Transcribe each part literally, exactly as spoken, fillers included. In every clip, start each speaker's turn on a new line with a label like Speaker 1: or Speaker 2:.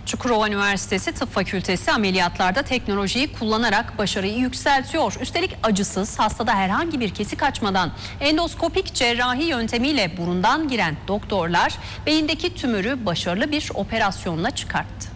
Speaker 1: Çukurova Üniversitesi Tıp Fakültesi ameliyatlarda teknolojiyi kullanarak başarıyı yükseltiyor. Üstelik acısız, hastada herhangi bir kesik açmadan endoskopik cerrahi yöntemiyle burundan giren doktorlar beyindeki tümörü başarılı bir operasyonla çıkarttı.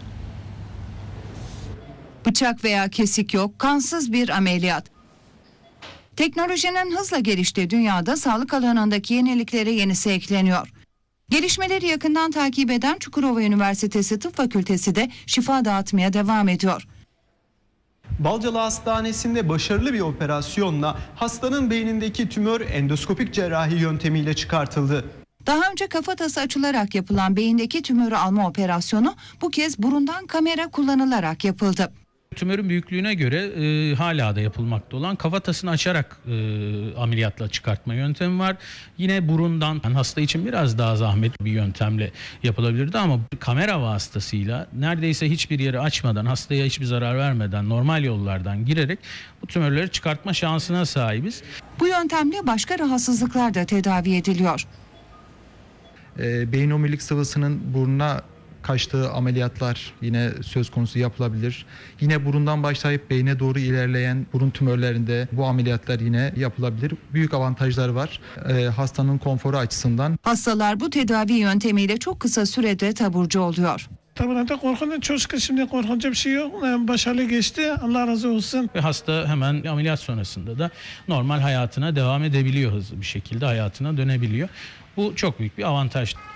Speaker 2: Bıçak veya kesik yok, kansız bir ameliyat. Teknolojinin hızla geliştiği dünyada sağlık alanındaki yeniliklere yenisi ekleniyor. Gelişmeleri yakından takip eden Çukurova Üniversitesi Tıp Fakültesi de şifa dağıtmaya devam ediyor.
Speaker 3: Balcalı Hastanesi'nde başarılı bir operasyonla hastanın beynindeki tümör endoskopik cerrahi yöntemiyle çıkartıldı.
Speaker 2: Daha önce kafatası açılarak yapılan beyindeki tümörü alma operasyonu bu kez burundan kamera kullanılarak yapıldı.
Speaker 4: Tümörün büyüklüğüne göre e, hala da yapılmakta olan kafatasını açarak e, ameliyatla çıkartma yöntemi var. Yine burundan, yani hasta için biraz daha zahmetli bir yöntemle yapılabilirdi ama kamera vasıtasıyla neredeyse hiçbir yeri açmadan, hastaya hiçbir zarar vermeden normal yollardan girerek bu tümörleri çıkartma şansına sahibiz.
Speaker 2: Bu yöntemle başka rahatsızlıklar da tedavi ediliyor.
Speaker 5: E, beyin omurilik sıvısının burnuna kaçtığı ameliyatlar yine söz konusu yapılabilir. Yine burundan başlayıp beyne doğru ilerleyen burun tümörlerinde bu ameliyatlar yine yapılabilir. Büyük avantajları var e, hastanın konforu açısından.
Speaker 2: Hastalar bu tedavi yöntemiyle çok kısa sürede taburcu oluyor.
Speaker 6: Tabii korkunç, çok şükür şimdi korkunca bir şey yok. Başarılı geçti. Allah razı olsun.
Speaker 4: Ve hasta hemen ameliyat sonrasında da normal hayatına devam edebiliyor, hızlı bir şekilde hayatına dönebiliyor. Bu çok büyük bir avantaj.